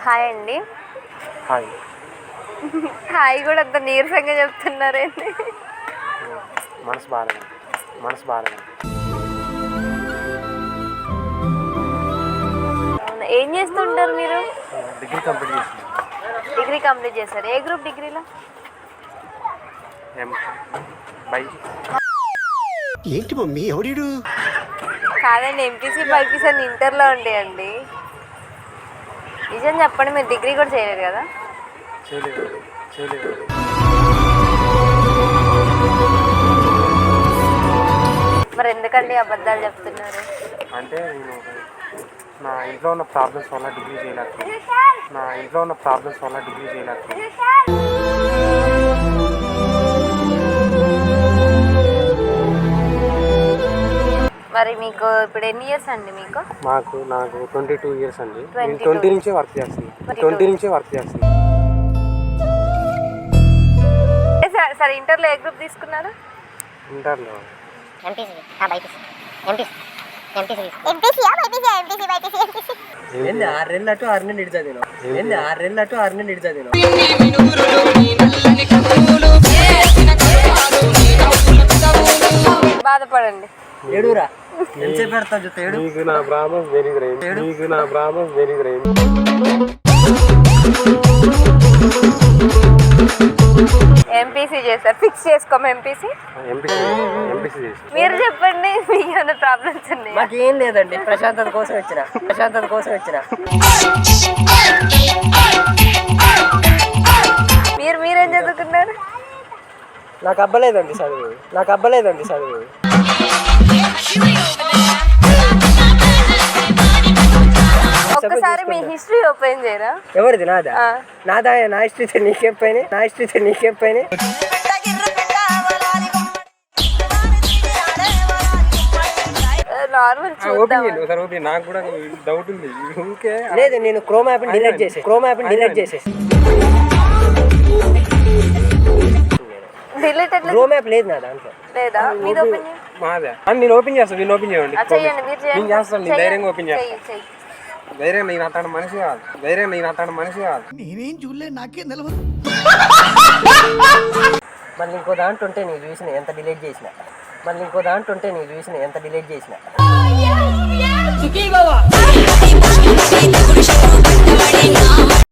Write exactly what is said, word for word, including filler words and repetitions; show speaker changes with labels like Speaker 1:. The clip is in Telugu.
Speaker 1: హాయ్ అండి.
Speaker 2: హాయ్.
Speaker 1: హాయ్ కూడా అంత నీరసంగా చెప్తున్నారేంటి?
Speaker 2: మనసు బాగాలేదు మనసు బాగాలేదు
Speaker 1: అవునా, ఏం చేస్తుంటారు మీరు?
Speaker 2: డిగ్రీ కంప్లీట్ చేసింది.
Speaker 1: డిగ్రీ కంప్లీట్ చేశారు. ఏ గ్రూప్ డిగ్రీలో?
Speaker 2: ఎం బై
Speaker 3: ఏంటి మమ్మీ ఎవడీడు?
Speaker 1: కాదండి, ఎంపీసీ బైపీసీ అని ఇంటర్లో ఉండేయండి. నిజం చెప్పండి, మీరు డిగ్రీ కూడా చేయలేదు కదా?
Speaker 2: చేయలేదు చేయలేదు
Speaker 1: మరి ఎందుకండి అబద్ధాలు చెప్తున్నారు?
Speaker 2: అంటే నేను నా ఇంట్లో ఉన్న ప్రాబ్లమ్స్ వల్ల డిగ్రీ చేయలేకపోయింది నా ఇంట్లో ఉన్న ప్రాబ్లమ్స్ వల్ల డిగ్రీ చేయలేకపోయింది
Speaker 1: మరి మీకు ఇప్పుడు ఎన్ని ఇయర్స్ అండి? మీకు
Speaker 2: మాకు నాకు ట్వంటీ టూ ఇయర్స్ అండి. నేను
Speaker 1: ట్వంటీ
Speaker 2: ట్వంటీ నుంచే వర్క్ చేస్తున్నాను ట్వంటీ నుంచే వర్క్ చేస్తున్నాను
Speaker 1: సరే, ఇంటర్లో ఏ గ్రూప్ తీసుకున్నారు?
Speaker 2: ఇంటర్లో
Speaker 4: ఎంపీసీ ఆ బైపీసీ ఎంపీసీ ఎంపీసీ ఎంపీసీ ఆ బైపీసీ ఎంపీసీ బైపీసీ ఎంపీసీ
Speaker 5: ఏంది ఆరు నెలలు అటు ఆరు నెలలు ఇటు చదివినావు? ఏంది ఆరు నెలలు అటు ఆరు నెలలు ఇటు చదివినావు?
Speaker 1: బాధపడండి.
Speaker 5: ఏడురా ఎంతసేపు పెడతావు చూస్తే ఏడు.
Speaker 2: నీకు నా ప్రాబ్లమ్స్ వెరీ గ్రైమ్ నీకు నా ప్రాబ్లమ్స్ వెరీ గ్రైమ్
Speaker 1: ఎంపీసీ చేస్తారు, ఫిక్స్ చేసుకోము. ఎంపీసీ
Speaker 2: ఎంపీసీ ఎంపీసీ చేసి
Speaker 1: మీరు చెప్పండి, మీకు ఏమైనా ప్రాబ్లమ్స్ ఉన్నాయి?
Speaker 5: మాకేం లేదండి, ప్రశాంతత కోసం వచ్చిన ప్రశాంతత కోసం వచ్చిన
Speaker 1: మీరు మీరేం చదువుకున్నారు?
Speaker 5: నాకు అబ్బలేదండి చదువు నాకు అబ్బలేదండి చదువు
Speaker 1: ఒక్కసారి మీ హిస్టరీ ఓపెన్ చేయరా?
Speaker 5: ఎవరిది? నాదా?
Speaker 1: ఆ.
Speaker 5: నాదా? నా ఇష్టం నీకేం పైన నా ఇష్టం నీకేం పైన
Speaker 1: నార్మల్
Speaker 2: ఓపెన్
Speaker 1: చూద్దాం.
Speaker 2: చేయండి ఒకసారి ఓపెన్ నాకు కూడా డౌట్ ఉంది ఊరికే
Speaker 5: లేదు, నేను క్రోమ్ యాప్ డిలీట్ చేసి క్రోమ్ యాప్ డిలీట్ చేసేసి
Speaker 1: డిలీట్ ఎట్లా?
Speaker 5: క్రోమ్ యాప్ లేదు నా దాంట్లో.
Speaker 1: లేదా మీది ఓపెన్ చేయండి.
Speaker 2: మాదే అని నేను ఓపెన్ చేస్తాను నేను ఓపెన్ చేయండి
Speaker 1: ఆ, చెయ్యండి, మీరు
Speaker 2: నేను
Speaker 1: చేయండి.
Speaker 2: చేస్తాను నేను ధైర్యంగా ఓపెన్ చేస్తాను
Speaker 1: చెయ్యి, చెయ్యి.
Speaker 2: ధైర్యం నేను అతను మనిషి కాదు ధైర్యం నేను అతను మనిషి కాదు
Speaker 3: నేనేం చూడలే నాకేం తెలియదు.
Speaker 5: మళ్ళీ ఇంకో దాంట్లో ఉంటే నీకు చూసిన ఎంత డిలీట్ చేసిన మళ్ళీ ఇంకో దాంట్లో ఉంటే నీకు చూసిన ఎంత డిలీట్ చేసిన